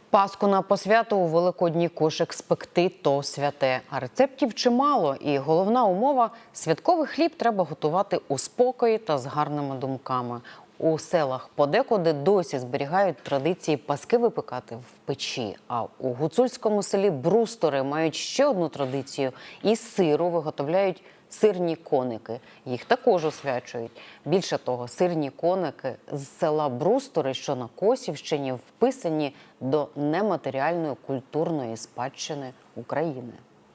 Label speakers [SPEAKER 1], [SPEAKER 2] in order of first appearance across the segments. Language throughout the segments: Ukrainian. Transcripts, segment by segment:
[SPEAKER 1] Паску на посвяту у великодній кошик спекти – то святе. А рецептів чимало. І головна умова – святковий хліб треба готувати у спокої та з гарними думками. У селах подекуди досі зберігають традиції паски випекати в печі. А у гуцульському селі Брустори мають ще одну традицію – із сиру виготовляють сирні коники. Їх також освячують. Більше того, сирні коники з села Брустори, що на Косівщині, вписані до нематеріальної культурної спадщини України.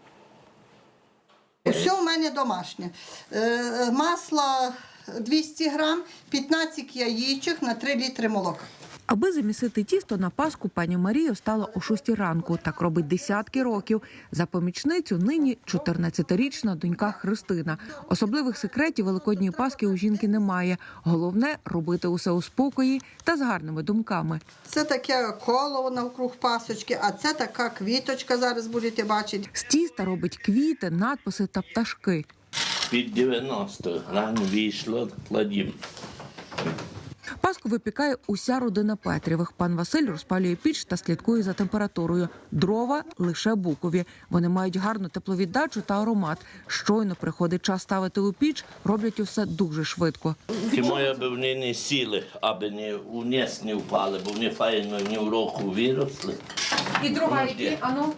[SPEAKER 2] Все у мене домашнє. Масло 200 грам, 15 яєчок на 3 літри молока.
[SPEAKER 3] Аби замісити тісто на Пасху, пані Марія встала о 6 ранку. Так робить десятки років. За помічницю нині 14-річна донька Христина. Особливих секретів Великодньої Пасхи у жінки немає. Головне – робити усе у спокої та з гарними думками.
[SPEAKER 2] Це таке коло навкруг пасочки, а це така квіточка, зараз будете бачити.
[SPEAKER 3] З тіста робить квіти, надписи та пташки.
[SPEAKER 4] Під 90 грам вийшло, кладім.
[SPEAKER 3] Пасху випікає уся родина Петрівих. Пан Василь розпалює піч та слідкує за температурою. Дрова – лише букові. Вони мають гарну тепловіддачу та аромат. Щойно приходить час ставити у піч, роблять усе дуже швидко.
[SPEAKER 4] Тому, аби вони не сіли, аби вниз не впали, бо вони файно ні в року виросли.
[SPEAKER 3] І дрова які? Ану?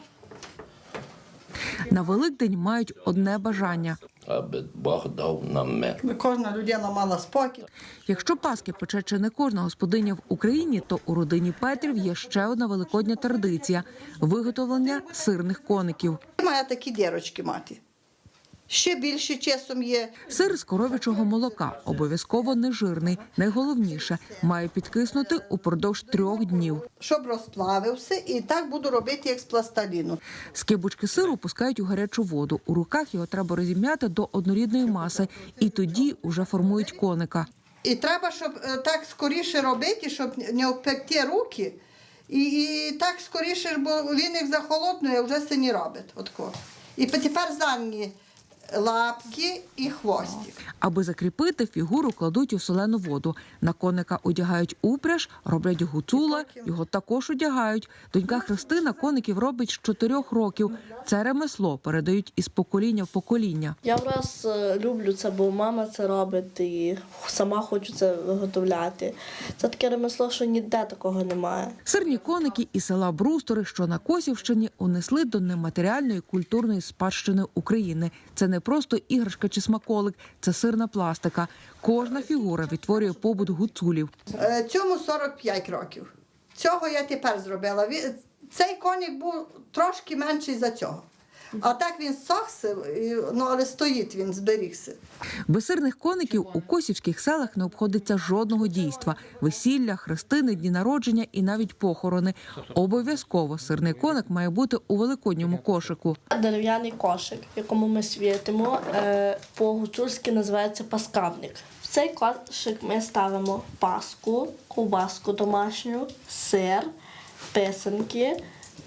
[SPEAKER 3] На Великдень мають одне бажання.
[SPEAKER 4] Аби Бог дав нам мир.
[SPEAKER 2] Кожна людина мала спокій.
[SPEAKER 3] Якщо паски пече чи не кожна господиня в Україні, то у родині Петрів є ще одна великодня традиція – виготовлення сирних коників.
[SPEAKER 2] Має такі дірочки мати. Ще більше часом є.
[SPEAKER 3] Сир з коров'ячого молока, обов'язково нежирний. Найголовніше – має підкиснути упродовж 3 днів.
[SPEAKER 2] Щоб розплавився, і так буду робити, як з пластиліну.
[SPEAKER 3] Скибочки сиру пускають у гарячу воду. У руках його треба розім'яти до однорідної маси. І тоді вже формують коника.
[SPEAKER 2] І треба, щоб так скоріше робити, щоб не обпекти руки. І так скоріше, бо він як захолоднує, вже це не робить. Отко. І тепер задні лапки і хвостик.
[SPEAKER 3] Аби закріпити, фігуру кладуть у солену воду. На коника одягають упряж, роблять гуцула, його також одягають. Донька Христина коників робить з 4 років. Це ремесло передають із покоління в покоління.
[SPEAKER 5] Я враз люблю це, бо мама це робить і сама хочу це виготовляти. Це таке ремесло, що ніде такого немає.
[SPEAKER 3] Сирні коники із села Брустори, що на Косівщині, унесли до нематеріальної культурної спадщини України. Це не просто іграшка чи смаколик, це сирна пластика. Кожна фігура відтворює побут гуцулів.
[SPEAKER 2] Цьому 45 років. Цього я тепер зробила. Цей коник був трошки менший за цього. А так він сохся, але стоїть він, зберігся.
[SPEAKER 3] Без сирних коників у косівських селах не обходиться жодного дійства. Весілля, хрестини, дні народження і навіть похорони. Обов'язково сирний коник має бути у великодньому кошику.
[SPEAKER 5] Дерев'яний кошик, в якому ми світимо, по-гуцульськи називається паскавник. В цей кошик ми ставимо паску, ковбаску домашню, сир, писанки,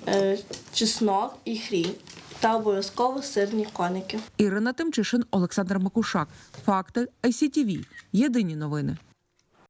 [SPEAKER 5] чеснок і хрін. Та обов'язково сирні коники.
[SPEAKER 3] Ірина Тимчишин, Олександр Макушак. Факти ICTV. Єдині новини.